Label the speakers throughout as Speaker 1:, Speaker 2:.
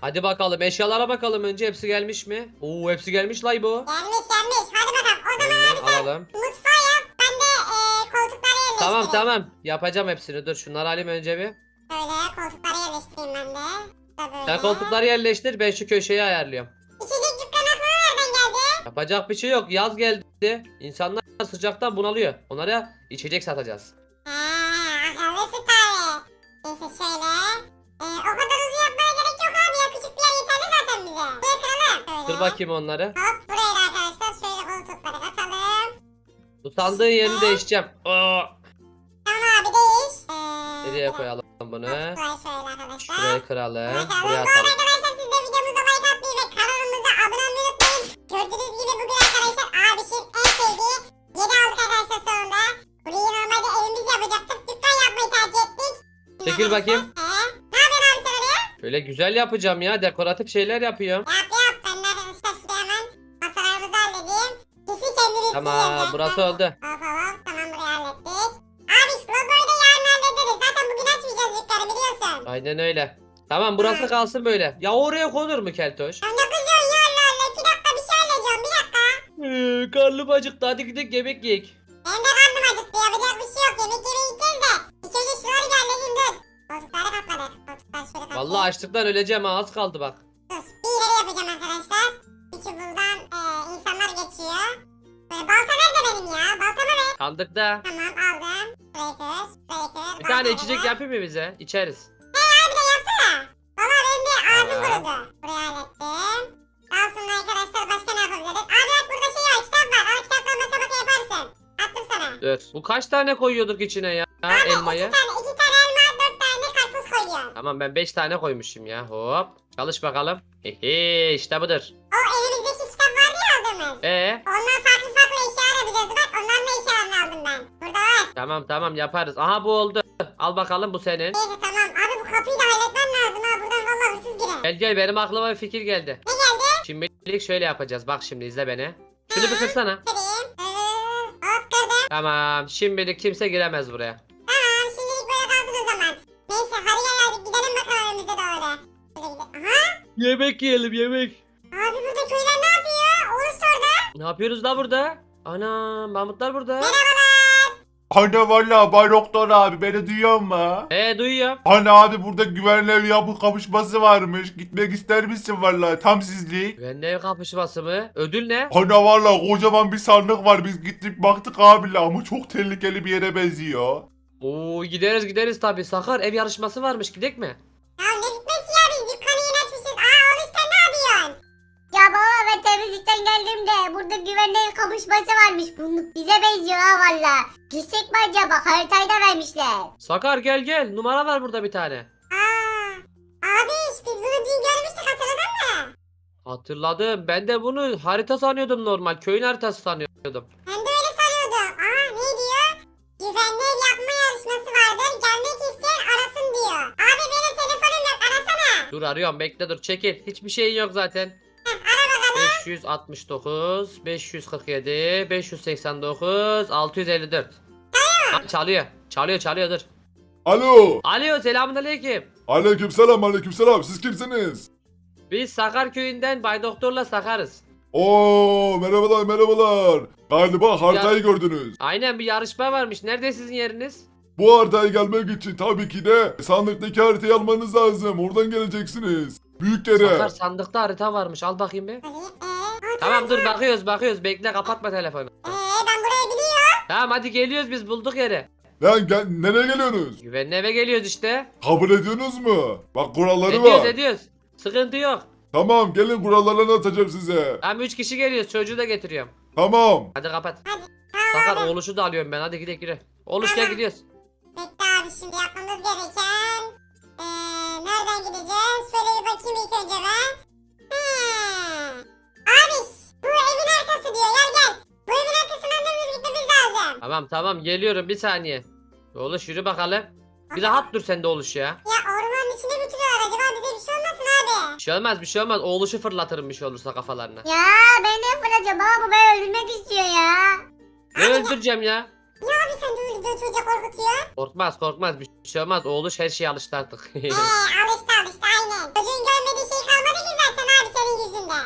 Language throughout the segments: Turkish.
Speaker 1: Hadi bakalım eşyalara bakalım önce hepsi gelmiş mi? Oo hepsi gelmiş lay bu.
Speaker 2: Gelmiş. Hadi bakalım. O zaman
Speaker 1: Hemen
Speaker 2: abi sen
Speaker 1: alalım.
Speaker 2: mutfağı yap. Ben de koltukları yerleştireyim.
Speaker 1: Tamam yapacağım hepsini dur şunları alayım önce bir.
Speaker 2: Böyle koltukları yerleştireyim ben de. Da böyle.
Speaker 1: Sen koltukları yerleştir ben şu köşeyi ayarlıyorum.
Speaker 2: İçecek dükkanı aklına nereden geldi?
Speaker 1: Yapacak bir şey yok yaz geldi. İnsanlar sıcaktan bunalıyor. Onlara içecek satacağız.
Speaker 2: Akıllısın tabi. Neyse şöyle. O kadar uzun yapmaya gerek yok abi ya. Küçük bir yer yeterli zaten bize. Buraya kıralım.
Speaker 1: Dur
Speaker 2: Böyle.
Speaker 1: bakayım onları.
Speaker 2: Hop buraya da arkadaşlar şöyle koltukları katalım.
Speaker 1: Bu sandığın yerini değişeceğim. Aa,
Speaker 2: Tamam abi değiş.
Speaker 1: nereye koyalım bunu?
Speaker 2: Burayı şöyle arkadaşlar.
Speaker 1: Şuraya kıralım.
Speaker 2: Buraya kıralım.
Speaker 1: Buraya
Speaker 2: Bu arada
Speaker 1: atalım.
Speaker 2: arkadaşlar siz de videomuza like atmayı ve kanalımıza abone olmayı unutmayın. Gördüğünüz gibi bugün arkadaşlar abişin en sevdiği yeri aldık arkadaşlar sonunda. Burayı normalde evimiz yapacaktık. Dükkan yapmayı tercih ettik.
Speaker 1: Çekil bakayım.
Speaker 2: Ne yapıyorsun abi sen oraya?
Speaker 1: Şöyle güzel yapacağım ya. Dekoratif şeyler yapıyorum.
Speaker 2: Yap. Ben de arkadaşlar şuraya hemen masalarımızı halledeyim. Kesin kendini
Speaker 1: Tamam burası oldu.
Speaker 2: Hop. Tamam burayı hallettik. Abi şu logoyu da yarın hallederiz. Zaten bugün açmayacağız dükkanı biliyorsun.
Speaker 1: Aynen öyle. Tamam burası kalsın böyle. Ya oraya konur mu keltoş?
Speaker 2: Ya ne kızıyorsun ya Allah Allah. 2 dakika bir şey halledeceğim. Bir dakika.
Speaker 1: Karnım acıktı. Hadi gidelim yemek yiyek.
Speaker 2: Benim de karnım acıktı. Yapacak bir şey yok. Yemek yemeye gideceğiz de. İlk önce şunları bir halledeyim dur. Koltukları katladık. Koltukları şöyle katlayayım.
Speaker 1: Vallahi açlıktan öleceğim ha. Az kaldı bak.
Speaker 2: Dur. Bir ileri yapacağım arkadaşlar. Çünkü buradan insanlar geçiyor. Böyle balta nerede benim ya? Baltamı ver.
Speaker 1: Sandıkta.
Speaker 2: Tamam aldım. Burayı kır. Burayı kır.
Speaker 1: Bir tane
Speaker 2: baltayı
Speaker 1: içecek
Speaker 2: ver.
Speaker 1: yapayım mı bize? İçeriz.
Speaker 2: Abi de yapsana. Valla benim de ağzım
Speaker 1: Tamam.
Speaker 2: kurudu. Burayı hallettim. Daha sonra arkadaşlar başka ne yapabiliriz? Abi bak burada şey var. Kitap var. Al kitaptan matematik yaparsın. Attım sana.
Speaker 1: Dur. Bu kaç tane koyuyorduk içine ya? Elmayı.
Speaker 2: İki tane elma, 4 tane karpuz koyuyorum.
Speaker 1: Tamam ben 5 tane koymuşum ya. Hop. Çalış bakalım. Hehe işte budur.
Speaker 2: O elimizdeki kitap vardı ya aldığımız. Ondan farklı eşyalar yapacağız. Bak onların da eşyalarını aldım ben. Burada var.
Speaker 1: Tamam yaparız. Aha bu oldu. Al bakalım bu senin.
Speaker 2: Neyse tamam. Abi bu kapıyı da halletmem lazım ha. Buradan valla hırsız girer.
Speaker 1: Gel benim aklıma bir fikir geldi.
Speaker 2: Ne geldi?
Speaker 1: Şimdilik şöyle yapacağız. Bak şimdi izle beni. Şunu bir kırsana.
Speaker 2: Kırayım. Hop kırdım.
Speaker 1: Tamam. Şimdilik kimse giremez buraya.
Speaker 2: Tamam şimdilik böyle kalsın o zaman. Neyse hadi gel hadi gidelim bakalım evimize doğru. Şöyle gidelim. Aha.
Speaker 1: Yemek yiyelim yemek.
Speaker 2: Abi burada köyler ne yapıyor? Oruç orada.
Speaker 1: Ne yapıyoruz da burada? Ana Mahmutlar burada.
Speaker 2: Merhabalar.
Speaker 3: Hani valla Bay Doktor abi beni duyuyor mu?
Speaker 1: Duyuyorum.
Speaker 3: Hani abi burada güvenli ev yapı kapışması varmış. Gitmek ister misin valla tam sizlik?
Speaker 1: Güvenli ev kapışması mı? Ödül ne?
Speaker 3: Hani valla kocaman bir sandık var biz gittik baktık abiyle ama çok tehlikeli bir yere benziyor.
Speaker 1: Oo gideriz tabii. Sakar ev yarışması varmış. Gidek mi?
Speaker 2: Ya ne gitmesi ya biz dükkanı yeni açmışız. Oruç sen ne yapıyorsun?
Speaker 4: Ya baba ben temizlikten geldim de burada güvenli ev kapışması varmış. Bunluk bize benziyor ha valla. Gitsek mi acaba? Haritayı da vermişler.
Speaker 1: Sakar gel. Numara var burada bir tane.
Speaker 2: Abi biz bunu dün görmüştük hatırladın mı?
Speaker 1: Hatırladım. Ben de bunu harita sanıyordum normal. Köyün haritası sanıyordum.
Speaker 2: Ben de öyle sanıyordum. Ne diyor? Güvenli ev yapma yarışması vardır. Gelmek isteyen arasın diyor. Abi benim telefonum yok arasana.
Speaker 1: Dur arıyorum bekle dur çekil. Hiçbir şeyin yok zaten.
Speaker 2: Ara bakalım.
Speaker 1: 569, 547, 589, 654. Ha, çalıyor dur.
Speaker 3: Alo.
Speaker 1: Alo selamünaleyküm.
Speaker 3: Aleykümselam siz kimsiniz?
Speaker 1: Biz Sakar köyünden Bay Doktor'la Sakarız.
Speaker 3: Oo merhabalar. Galiba haritayı gördünüz.
Speaker 1: Aynen bir yarışma varmış. Nerede sizin yeriniz?
Speaker 3: Bu haritaya gelmek için tabii ki de sandıktaki haritayı almanız lazım. Oradan geleceksiniz. Büyük yere.
Speaker 1: Sakar sandıkta harita varmış. Al bakayım bir.
Speaker 2: Hadi.
Speaker 1: Tamam dur bakıyoruz. Bekle kapatma telefonu.
Speaker 2: Ben burayı biliyorum.
Speaker 1: Tamam hadi geliyoruz biz bulduk yeri.
Speaker 3: Lan nereye geliyorsunuz?
Speaker 1: Güvenli eve geliyoruz işte.
Speaker 3: Kabul ediyorsunuz mu? Bak kuralları var.
Speaker 1: Ediyoruz. Sıkıntı yok.
Speaker 3: Tamam gelin kurallarını atacağım size.
Speaker 1: Tamam 3 kişi geliyoruz. Çocuğu da getiriyorum.
Speaker 3: Tamam.
Speaker 1: Hadi kapat.
Speaker 2: Tamam
Speaker 1: Sakar
Speaker 2: abi.
Speaker 1: oğluşu da alıyorum ben. Hadi gidelim yürü. Oğluş gel gidiyoruz.
Speaker 2: Bekle abi şimdi yapmamız gereken. Nereden gideceğiz? Şöyle bir bakayım ilk önce ben. Abi bu evin arkası diyor. Gel. Bu evin arkasından dönüp gitmemiz lazım.
Speaker 1: Tamam geliyorum bir saniye. Oğluş yürü bakalım. Bir rahat dur sen de oğluş ya.
Speaker 2: Ya ormanın içine götürüyorlar. Acaba bize bir şey olmasın abi?
Speaker 1: Bir şey olmaz. Oğluşu fırlatırım bir şey olursa kafalarına.
Speaker 4: Ya ben de yapacağım baba bu beni öldürmek istiyor ya.
Speaker 1: Ne öldüreceğim ya?
Speaker 2: Ya abi sen de öyle çocuğa korkutuyor.
Speaker 1: Korkmaz bir şey olmaz. Oğluş her şeye alıştı artık.
Speaker 2: Alıştı aynen. Çocuğun görmediği şey kalmadı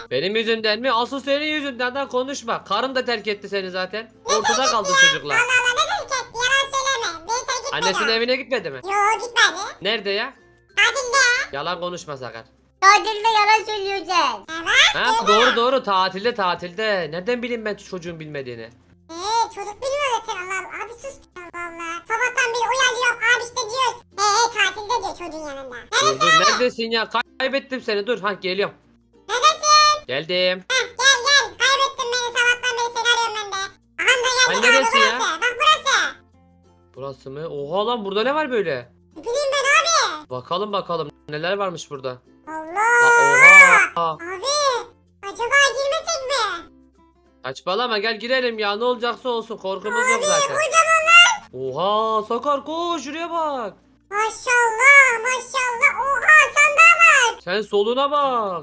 Speaker 1: Benim yüzümden mi? Asıl senin yüzünden de konuşma. Karın da terk etti seni zaten. Ortada kaldın çocukla.
Speaker 2: Allah Allah ne terk etti yalan söyleme. Beni terk etmedi.
Speaker 1: Annesinin evine gitmedi mi?
Speaker 2: Yo gitmedi.
Speaker 1: Nerede ya?
Speaker 2: Tatilde.
Speaker 1: Yalan konuşma Sakar.
Speaker 4: Tatilde yalan söylüyorsun.
Speaker 2: Evet.
Speaker 1: Ha doğru tatilde. Nereden bileyim ben çocuğun bilmediğini?
Speaker 2: Çocuk bilmiyor zaten Allah Allah. Abi sus. Allah Allah. Sabahtan beri uyanıyorum. Abi işte diyor. Tatilde diyor çocuğun yanında.
Speaker 1: Dur neredesin ya? Kaybettim seni. Dur geliyorum.
Speaker 2: Neredesin?
Speaker 1: Geldim.
Speaker 2: Gel. Kaybettin beni sabahtan beri seni arıyorum ben de. Aha da
Speaker 1: Ay,
Speaker 2: geldik abi
Speaker 1: neresi ya?
Speaker 2: burası. Bak burası.
Speaker 1: Burası mı? Oha lan burada ne var böyle?
Speaker 2: Ne bileyim ben abi.
Speaker 1: Bakalım neler varmış burada.
Speaker 2: Allah.
Speaker 1: Oha.
Speaker 2: Abi. Acaba girmesek mi?
Speaker 1: Saçmalama gel girelim ya ne olacaksa olsun korkumuz yok zaten.
Speaker 2: Kocaman.
Speaker 1: Oha Sakar koş şuraya bak.
Speaker 2: Maşallah. Oha sandığa bak.
Speaker 1: Sen soluna bak.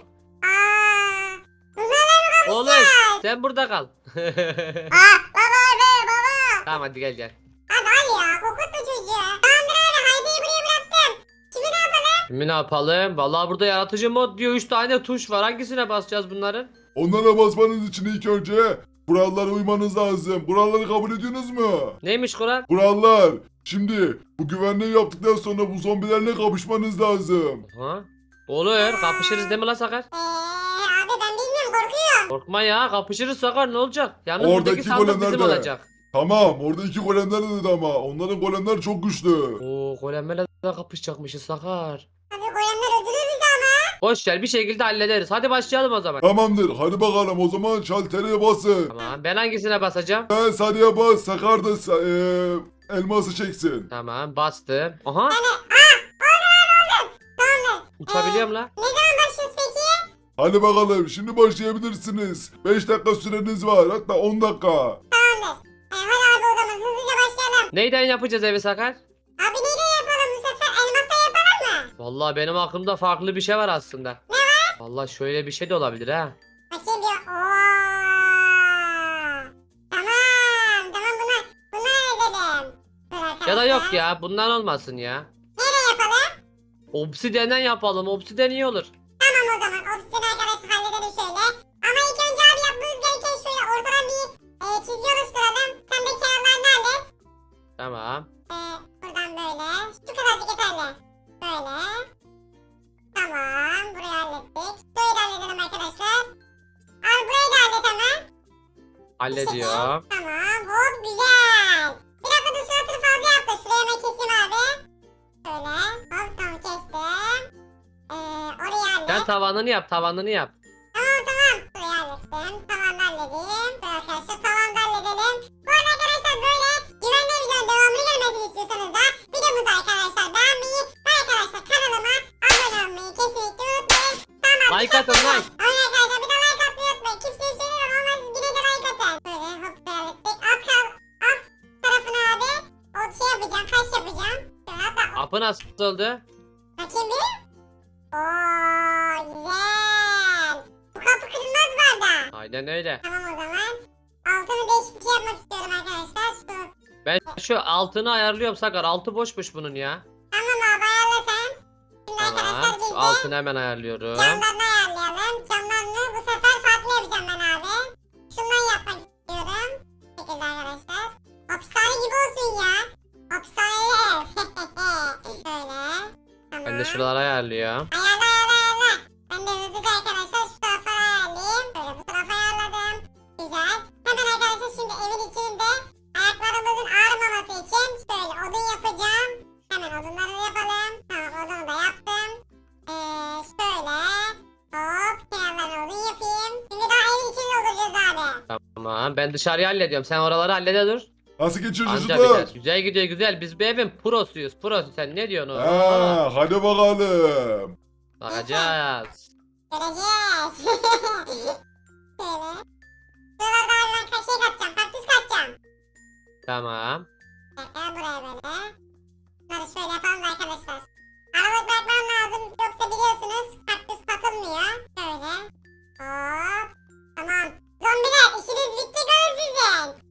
Speaker 2: Bunlarla mı
Speaker 1: Oğlum
Speaker 2: kapışacağız?
Speaker 1: sen burada kal.
Speaker 4: Baba be baba.
Speaker 1: Tamam hadi gel.
Speaker 2: Abi al ya kokutma çocuğu. Tamamdır abi Haydi'yi buraya bıraktım. Şimdi ne yapalım?
Speaker 1: Şimdi ne yapalım? Vallahi burada yaratıcı mod diyor 3 tane tuş var. Hangisine basacağız bunların?
Speaker 3: Onlara basmanız için ilk önce kurallara uymanız lazım. Kuralları kabul ediyorsunuz mu?
Speaker 1: Neymiş Kur'an?
Speaker 3: Kurallar. Şimdi bu güvenliği yaptıktan sonra bu zombilerle kapışmanız lazım.
Speaker 1: Ha? Olur kapışırız değil mi lan Sakar?
Speaker 2: Abi ben bilmiyorum korkuyorum.
Speaker 1: Korkma ya kapışırız Sakar ne olacak? Yalnız
Speaker 3: Oradaki
Speaker 1: buradaki sandık
Speaker 3: golemler
Speaker 1: bizim
Speaker 3: de.
Speaker 1: olacak.
Speaker 3: Tamam orada 2 golemler dedi ama onların golemler çok güçlü.
Speaker 1: Oo golemlerle de kapışacakmışız Sakar.
Speaker 2: Abi golemler öldürür bizi ama.
Speaker 1: Boş ver bir şekilde hallederiz. Hadi başlayalım o zaman.
Speaker 3: Tamamdır hadi bakalım o zaman şaltere basın.
Speaker 1: Tamam ben hangisine basacağım?
Speaker 3: Ben sarıya bas Sakar da elması çeksin.
Speaker 1: Tamam bastım. Aha
Speaker 2: Tamamdır.
Speaker 1: uçabiliyorum la.
Speaker 2: Ne zaman başlıyoruz peki?
Speaker 3: Hadi bakalım şimdi başlayabilirsiniz. 5 dakika süreniz var hatta 10 dakika.
Speaker 2: Tamamdır. Hadi abi o zaman hızlıca başlayalım.
Speaker 1: Neyden yapacağız evi Sakar?
Speaker 2: Abi neyle yapalım bu sefer? Elmasla yapalım mı?
Speaker 1: Vallahi benim aklımda farklı bir şey var aslında. Ne var? Vallahi şöyle bir şey de olabilir ha.
Speaker 2: Bakayım bir. Tamam bunlar edelim. Dur
Speaker 1: Ya da yok
Speaker 2: arkadaşlar.
Speaker 1: ya bundan olmasın ya.
Speaker 2: Neyle yapalım?
Speaker 1: Obsidenden yapalım. Obsiden iyi olur.
Speaker 2: Tamam o zaman obsidyen arkadaşlar halledelim şöyle. Ama ilk önce abi yapmamız gereken şöyle ortadan bir çizgi oluşturalım. Sen de kenarlarını hallet.
Speaker 1: Tamam.
Speaker 2: Buradan böyle. Şu kadarcık yeterli. Böyle. Tamam burayı hallettik. Burayı da halledelim arkadaşlar. Abi burayı da hallet hemen.
Speaker 1: Hallediyorum.
Speaker 2: Tamam hop güzel. Bir dakika dur suratını fazla yaptı. Şuraya hemen keseyim abi. Şöyle hop tamam kestim. Orayı hallet.
Speaker 1: Sen tavanını yap.
Speaker 2: Tamam. Burayı hallettim. Tavanı halledeyim. Dur arkadaşlar tavanı da halledelim. Bu arada arkadaşlar böyle güvenli videonun devamını gelmesini istiyorsanız da videomuzu arkadaşlar beğenmeyi ve arkadaşlar kanalıma abone olmayı kesinlikle unutmayın. Tamam.
Speaker 1: Like atın like.
Speaker 2: Aynen arkadaşlar bir de like atmayı unutmayın. Kimseye söylemiyorum ama siz yine de like atın. Böyle hop hallettik. Alt tarafına abi o şey yapacağım. Kaş yapacağım. Şöyle hatta
Speaker 1: Apı nasıl oldu?
Speaker 2: bakayım bir. Ooo güzel. Bu kapı kırılmaz bu arada.
Speaker 1: Aynen öyle.
Speaker 2: Tamam o zaman. Altını değişik bir şey yapmak istiyorum arkadaşlar.
Speaker 1: Ben şu altını ayarlıyorum Sakar. Altı boşmuş bunun ya.
Speaker 2: Tamam abi ayarla sen. Şimdi
Speaker 1: Tamam.
Speaker 2: arkadaşlar biz
Speaker 1: Şu
Speaker 2: de
Speaker 1: altını hemen ayarlıyorum.
Speaker 2: camlarını ayarlayalım. Camlarını bu sefer farklı yapacağım ben abi. Şundan yapmak istiyorum. Bu şekilde arkadaşlar. Hapishane gibi olsun ya. Hapishaneli ev. Şöyle. Tamam.
Speaker 1: Ben de şuraları ayarlıyorum.
Speaker 2: Ayarla. Ben de hızlıca arkadaşlar şu tarafa ayarlayayım. Böyle bu tarafa ayarladım. Güzel. Hemen arkadaşlar şimdi evin içinde ayaklarımızın ağrımaması için şöyle odun yapacağım. Hemen odunları yapalım. Tamam odunu da yaptım. Şöyle. Hop kenarlarına odun yapayım. Şimdi daha evin içinde olacağız abi.
Speaker 1: Tamam. Ben dışarıyı hallediyorum. Sen oraları hallede dur.
Speaker 3: Nasıl geçiyor
Speaker 1: Anca
Speaker 3: çocuklar?
Speaker 1: biter. Güzel gidiyor güzel. Biz bir evin prosuyuz. Pro. Sen ne diyorsun oğlum?
Speaker 3: Hadi bakalım.
Speaker 1: Bakacağız.
Speaker 2: Göreceğiz. Şöyle. Şuralarda abi ben şey katacağım. Kaktüs katacağım.
Speaker 1: Tamam.
Speaker 2: Buraya böyle. Bunları şöyle yapalım da arkadaşlar. Aralık bırakmam lazım. Yoksa biliyorsunuz kaktüs katılmıyor. Şöyle. Hop. Tamam. Zombiler işiniz bitti göz sizin.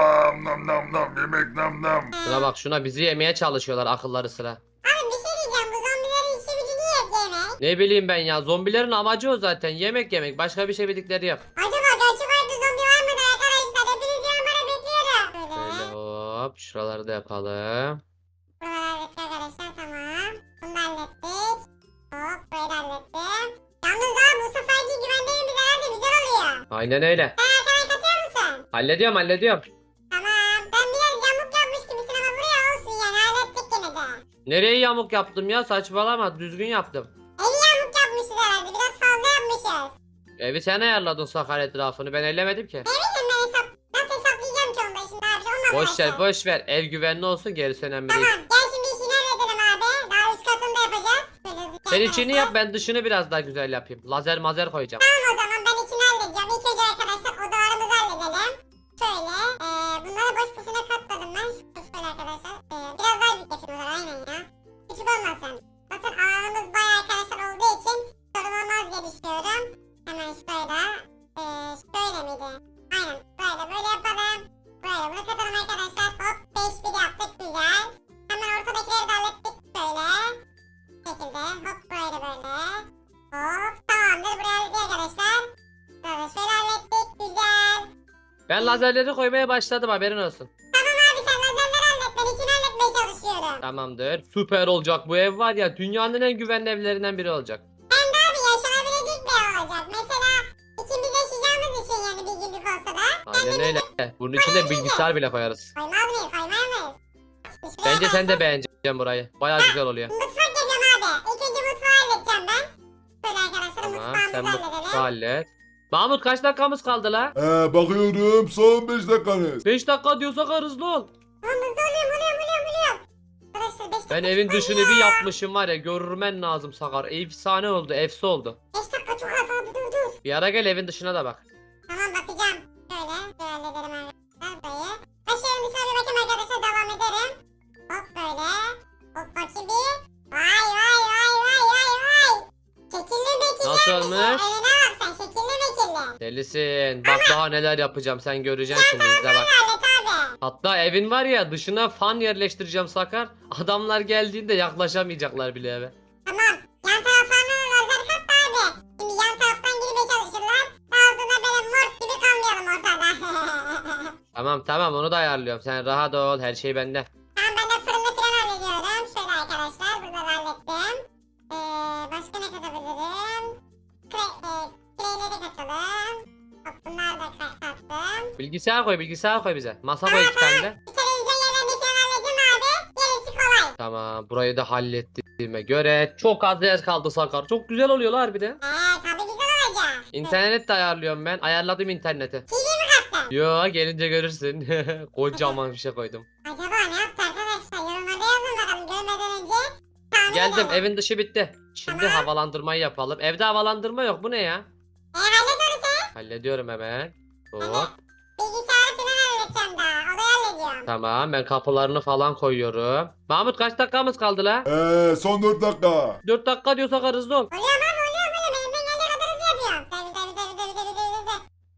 Speaker 3: Nam yemek nam.
Speaker 1: Şuna bak şuna bizi yemeye çalışıyorlar akılları sıra.
Speaker 2: Abi bir şey diyeceğim. Bu zombilerin işi gücü niye hep yeme?
Speaker 1: Ne bileyim ben ya. Zombilerin amacı o zaten. Yemek yemek. Başka bir şey bildikleri yok.
Speaker 2: Acaba gerçek hayatta zombi var mıdır arkadaşlar? Hepiniz yorumlara bekliyorum.
Speaker 1: Şöyle hop. Şuraları da yapalım.
Speaker 2: Buraları hallettik arkadaşlar, tamam. Bunu da hallettik. Hop, burayı da hallettim. Yalnız abi bu seferki güvenliğimiz herhalde güzel oluyor.
Speaker 1: Aynen öyle.
Speaker 2: Sen arkana katıyor musun?
Speaker 1: Hallediyorum.
Speaker 2: Tamam. Ben biraz yamuk yapmış gibisin ama buraya olsun yani, hallettik yine de.
Speaker 1: Nereye yamuk yaptım ya? Saçmalama. Düzgün yaptım.
Speaker 2: Evi yamuk yapmışız herhalde, biraz fazla yapmışız.
Speaker 1: Evi sen ayarladın Sakar etrafını. Ben ellemedim ki.
Speaker 2: Ne bileyim ben nasıl hesaplayacağım ki onda şimdi abi, onunla
Speaker 1: Boş ver
Speaker 2: uğraşacağım.
Speaker 1: boş ver. Ev güvenli olsun. Gerisi önemli değil.
Speaker 2: Tamam, gel şimdi işini halledelim abi. Daha üst katını da yapacağız. Böyle hızlıca
Speaker 1: Sen içini
Speaker 2: arkadaşlar.
Speaker 1: yap, ben dışını biraz daha güzel yapayım. Lazer mazer koyacağım.
Speaker 2: Tamam, o zaman ben içini halledeceğim. İlk önce arkadaşlar odalarımızı halledelim. Şöyle, bunları boş boşuna katladım ben. Şöyle arkadaşlar. Biraz daha büyük yapayım o zaman, aynen ya. Küçük olmasın. Zaten alanımız bayağı arkadaşlar olduğu için sorun olmaz diye düşünüyorum. Hemen şöyle. Şöyle miydi? Aynen. Böyle yapalım. Böyle bunu katalım arkadaşlar. Hop, 5-1 yaptık, güzel. Hemen ortadakileri de hallettik böyle. Bu şekilde. Hop, böyle. Hop, tamamdır. Buraya hallettik arkadaşlar. Şöyle hallettik, güzel.
Speaker 1: Ben lazerleri koymaya başladım, haberin olsun.
Speaker 2: Tamam abi, sen lazerleri hallet. Ben içini halletmeye çalışıyorum.
Speaker 1: Tamamdır. Süper olacak bu ev var ya, dünyanın en güvenli evlerinden biri olacak.
Speaker 2: Hem de abi yaşanabilecek bir ev olacak. Mesela ikimiz yaşayacağımız için yani bir günlük olsa da.
Speaker 1: Aynen öyle. Bunun içinde bilgisayar bile koyarız.
Speaker 2: Koymaz mıyız? Koymaz mıyız? Şuraya
Speaker 1: Bence sen de
Speaker 2: kalsın.
Speaker 1: beğeneceksin burayı. Baya güzel oluyor.
Speaker 2: Mutfak yapıyorum abi. İlk önce mutfağı halledeceğim ben. Böyle arkadaşlar
Speaker 1: Tamam,
Speaker 2: mutfağımızı
Speaker 1: sen
Speaker 2: halledelim.
Speaker 1: mutfağı hallet. Mahmut kaç dakikamız kaldı la?
Speaker 3: Bakıyorum son 5 dakikanız.
Speaker 1: 5 dakika diyorsak hızlı ol.
Speaker 2: Tamam, hızlı oluyorum. Arkadaşlar 5 dakika.
Speaker 1: Ben evin dışını bir yapmışım var ya, görmen lazım Sakar. Efsane oldu, efsi oldu.
Speaker 2: 5 dakika çok az abi, dur.
Speaker 1: Bir ara gel evin dışına da bak.
Speaker 2: Tamam, bakacağım. Şöyle halledelim arkadaşlar burayı. Ben şu evin dışına bir bakayım arkadaşlar, devam ederim. Hop böyle. Hop bakayım bir. Vay. Şekilli mekilli
Speaker 1: Nasıl
Speaker 2: yapmış
Speaker 1: olmuş?
Speaker 2: ya. Önüne bak sen, şekilli mekilli.
Speaker 1: Delisin. Bak daha neler yapacağım, sen göreceksin şimdi, izle bak.
Speaker 2: Hallet abi.
Speaker 1: Hatta evin var ya, dışına fan yerleştireceğim Sakar. Adamlar geldiğinde yaklaşamayacaklar bile eve.
Speaker 2: Tamam. Yan taraflarına lazer kat da abi. Şimdi yan taraftan girmeye çalışırlar. Daha sonra böyle mort gibi kalmayalım ortada.
Speaker 1: Tamam onu da ayarlıyorum. Sen rahat ol, her şey bende.
Speaker 2: Tamam, ben de fırını falan hallediyorum. Şöyle arkadaşlar, burada da hallettim. Başka ne katabilirim? Küreğleri katalım. Hop, bunları da kattım.
Speaker 1: Bilgisayar koy bize. Masa koy 2 tane de.
Speaker 2: Bir televizyon yerlerini falan halledeyim abi. Gerisi kolay.
Speaker 1: Tamam, burayı da hallettiğime göre çok az yer kaldı Sakar. Çok güzel oluyor harbiden.
Speaker 2: Tabii güzel olacak.
Speaker 1: İnternet de ayarlıyorum ben. Ayarladım interneti.
Speaker 2: TV mi kattın?
Speaker 1: Yo, gelince görürsün. Kocaman bir şey koydum.
Speaker 2: Acaba ne yaptı arkadaşlar? Yorumlarda yazın bakalım, görmeden önce. Tahmin
Speaker 1: Geldim,
Speaker 2: edelim.
Speaker 1: evin dışı bitti. Şimdi
Speaker 2: Tamam.
Speaker 1: havalandırmayı yapalım. Evde havalandırma yok, bu ne ya?
Speaker 2: Hallet onu sen.
Speaker 1: Hallediyorum hemen. Hop.
Speaker 2: Bilgisayarı falan halledeceğim daha. Odayı hallediyorum.
Speaker 1: Tamam, ben kapılarını falan koyuyorum. Mahmut kaç dakikamız kaldı la?
Speaker 3: Son 4 dakika.
Speaker 1: 4 dakika diyor Sakar, hızlı ol.
Speaker 2: Oluyorum abi, oluyorum. Elimden geldiği kadar hızlı yapıyorum. Hızlı.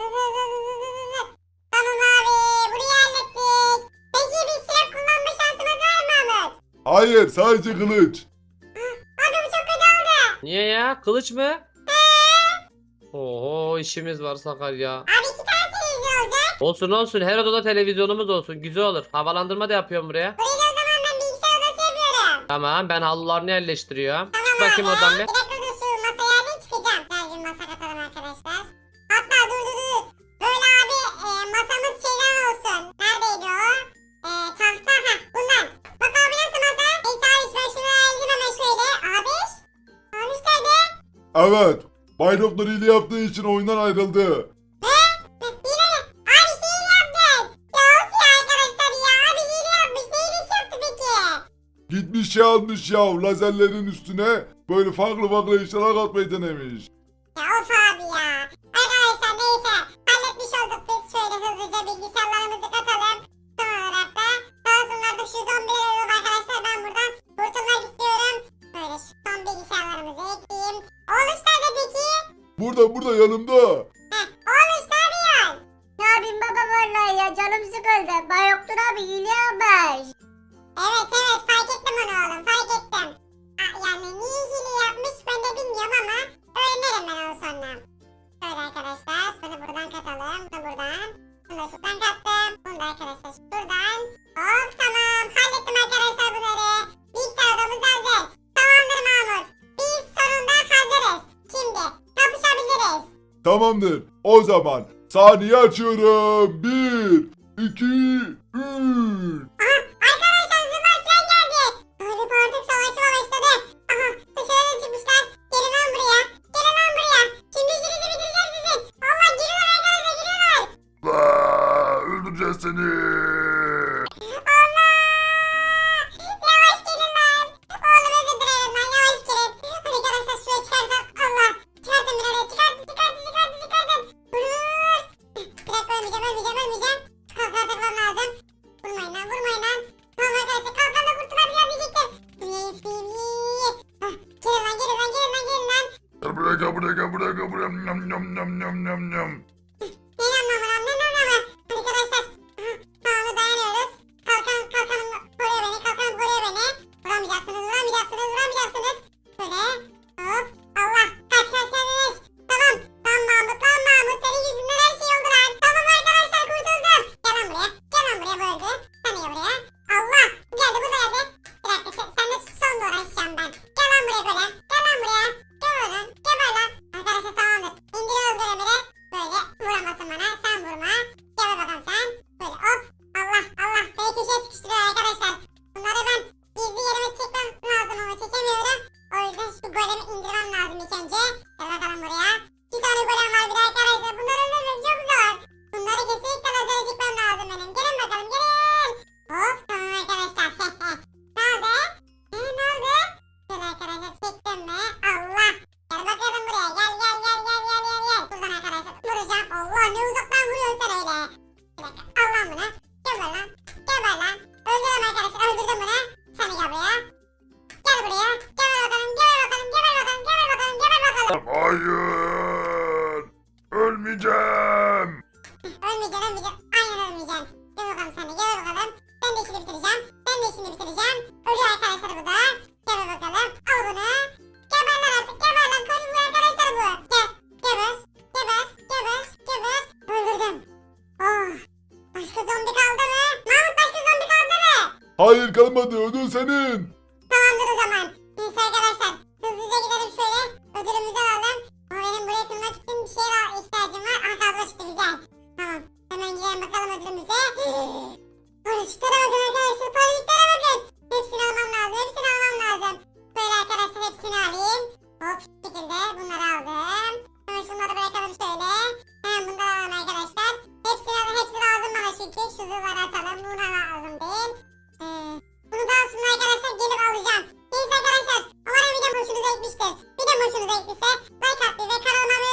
Speaker 2: Tamam abi, burayı hallettik. Peki bir silah kullanma şansımız var mı Mahmut?
Speaker 3: Hayır, sadece kılıç.
Speaker 2: Abi bu çok kötü oldu.
Speaker 1: Niye ya? Kılıç mı? Oho, işimiz var Sakar ya.
Speaker 2: Abi 2 tane televizyon olacak.
Speaker 1: Olsun, her odada televizyonumuz olsun. Güzel olur. Havalandırma da yapıyorum buraya.
Speaker 2: Burayı da o zaman ben bilgisayar odası yapıyorum.
Speaker 1: Tamam, ben halılarını yerleştiriyorum.
Speaker 2: Tamam
Speaker 1: Çık bakayım
Speaker 2: abi.
Speaker 1: oradan
Speaker 2: Bir
Speaker 1: bir.
Speaker 2: dakika dur, şu masaya alayım çıkacağım. Gel bir masa katalım arkadaşlar. Hatta dur. Böyle abi masamız şeyden olsun. Neredeydi o? Tahta. Bundan. Bak abi, nasıl masa? Neyse abi, ben şunu alayım hemen şöyle. Abiş nerede?
Speaker 3: Evet. Bay Doktor iyiliği yaptığı için oyundan ayrıldı.
Speaker 2: Yine mi? Abi hile yaptın. Ya of ya arkadaşlar ya. Abi hile yapmış. Ne hilesi yaptı peki?
Speaker 3: Gitmiş şey almış ya, lazerlerin üstüne böyle farklı işler katmayı denemiş.
Speaker 2: Ya of abi ya. Arkadaşlar neyse. Halletmiş olduk biz. Şöyle hızlıca bilgisayarlarımızı katalım. Son olarak da daha sonra da şu zombileri alalım arkadaşlar. Ben buradan kurtulmak istiyorum. Böyle şu son bilgisayarlarımızı ekleyeyim. Oğluş nerede peki?
Speaker 3: Burada yanımda.
Speaker 2: Oğluş ne yapıyorsun?
Speaker 4: Ne yapayım baba vallahi ya, canım sıkıldı. Bayoktur abi hile yapmış.
Speaker 2: Evet fark ettim onu oğlum, fark ettim. Yani niye hile yapmış ben de bilmiyorum.
Speaker 3: Tamamdır. O zaman saniye açıyorum. 1, 2, 3.
Speaker 2: Arkadaşlar zırhlar falan geldi. Galiba artık savaşma başladı. Aha dışarıda çıkmışlar. Gelin lan buraya. Gelin lan buraya. Şimdi işinizi bitireceğim sizin. Allah giriyorlar arkadaşlar giriyorlar.
Speaker 3: Öldüreceğiz seni.
Speaker 2: Allah. Yavaş gelin lan. Oğlum özür dilerim lan yavaş gelin. Arkadaşlar şuraya çıkarsak. Allah. Çıkartın bir oraya çıkartın. Vur. Bir dakika ölmeyeceğim. Kalkan takmam lazım. Vurmayın lan. Tamam arkadaşlar kalkanla kurtulabiliyor diyecektim. Gelin lan.
Speaker 3: Gel buraya. Nyam.
Speaker 2: Ne anlamı? Arkadaşlar. Tamam dayanıyoruz. Kalkanım koruyor beni. Vuramayacaksınız. Böyle. Hop. Allah. Kaç. Tamam. Mahmut. Senin yüzünden her şey oldu lan. Tamam arkadaşlar kurtuldum. Gel lan buraya bu öldü. Sen de gel buraya. Allah. Geldi bu da geldi. Bir dakika sen de son uğraşacağım ben. Gel lan buraya böyle. Geber lan. Arkadaşlar tamamdır. İndiriyoruz görevleri. Böyle vuramasın bana. Sen vurma. Geber bakalım sen. Böyle hop. Allah. Beni köşeye sıkıştırıyor arkadaşlar. Bunları ben gizli yerime çekmem lazım ama çekemiyorum. O yüzden şu golemi indirmem lazım ilk önce. Gel bakalım buraya. 2 tane golem var bir de arkadaşlar. Bunları öldürmek çok zor. Bunları kesinlikle lazere çekmem lazım benim. Gelin bakalım gelin. Hop tamam arkadaşlar. Ne oldu? Ne oldu? Şöyle arkadaşlar çektim mi? Allah. Gel bakalım buraya. Gel. Buradan arkadaşlar vuracağım. Allah ne uzaktan vuruyorsun sen öyle. Bir dakika. Al lan bunu. Geber lan. Öldürdüm arkadaşlar. Öldürdüm bunu. Sen de gel buraya. Gel buraya. Geber bakalım.
Speaker 3: Hayır. Ölmeyeceğim.
Speaker 2: Ölmeyeceksin. Aynen ölmeyeceksin. Gel bakalım sen de. Gel bakalım. Ben de işini bitireceğim. Ölüyor arkadaşlar bu da. Gel bakalım. Al bunu. Geber lan artık. Koşun bu arkadaşlar bu. Gel. Geber. Öldürdüm. Oh. Başka zombi kaldı mı? Mahmut başka zombi kaldı mı?
Speaker 3: Hayır kalmadı. Ödül senin.
Speaker 2: Tamamdır o zaman. Neyse arkadaşlar. Hızlıca gidelim şöyle. Ödülümüzü alalım. Ama benim buraya tırmak için bir şeye daha ihtiyacım var. Aha kazma çıktı güzel. Tamam. Hemen gidelim bakalım ödülümüze. Paraşütlere bakın arkadaşlar. Hepsini almam lazım. Böyle arkadaşlar hepsini alayım. Hop şu şekilde bunları aldım. Hemen şunları bırakalım şöyle. Hemen bunları alalım arkadaşlar. Hepsi lazım bana çünkü. Şu zırhları atalım. Buna lazım değil. Bunu daha sonra arkadaşlar gelip alacağım. Neyse arkadaşlar. Umarım videom hoşunuza gitmiştir. Videom hoşunuza gittiyse like atmayı ve kanalıma